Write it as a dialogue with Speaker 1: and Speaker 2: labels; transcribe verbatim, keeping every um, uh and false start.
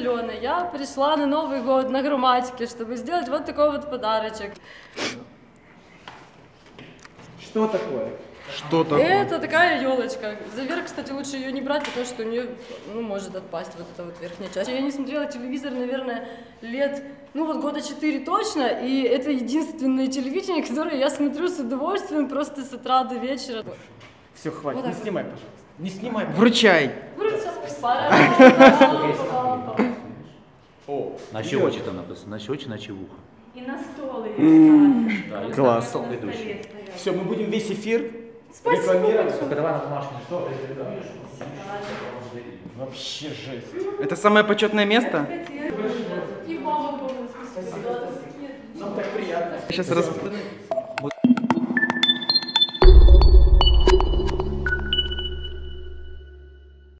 Speaker 1: Алена, я пришла на Новый год на грамматике, чтобы сделать вот такой вот подарочек.
Speaker 2: Что такое?
Speaker 3: Что такое?
Speaker 1: Это такая елочка. За верх, кстати, лучше ее не брать, потому что у нее, ну, может отпасть вот эта вот верхняя часть. Я не смотрела телевизор, наверное, лет, ну вот года четыре точно, и это единственное телевидение, которое я смотрю с удовольствием просто с утра до вечера.
Speaker 2: Все, хватит,
Speaker 1: Вот
Speaker 2: не снимай, пожалуйста. Не снимай.
Speaker 3: Вручай.
Speaker 2: О,
Speaker 4: На щечи там написано, на щечи, на чевуха.
Speaker 5: И на стол ее ставить.
Speaker 3: Класс.
Speaker 5: На столе стоять.
Speaker 2: все, мы будем весь эфир
Speaker 1: Спасибо
Speaker 2: рекламировать.
Speaker 4: Только давай на домашний стол.
Speaker 2: Вообще жесть.
Speaker 3: Это самое почетное место?
Speaker 1: И вам огромное спасибо.
Speaker 2: Нам так приятно.
Speaker 3: Сейчас раз...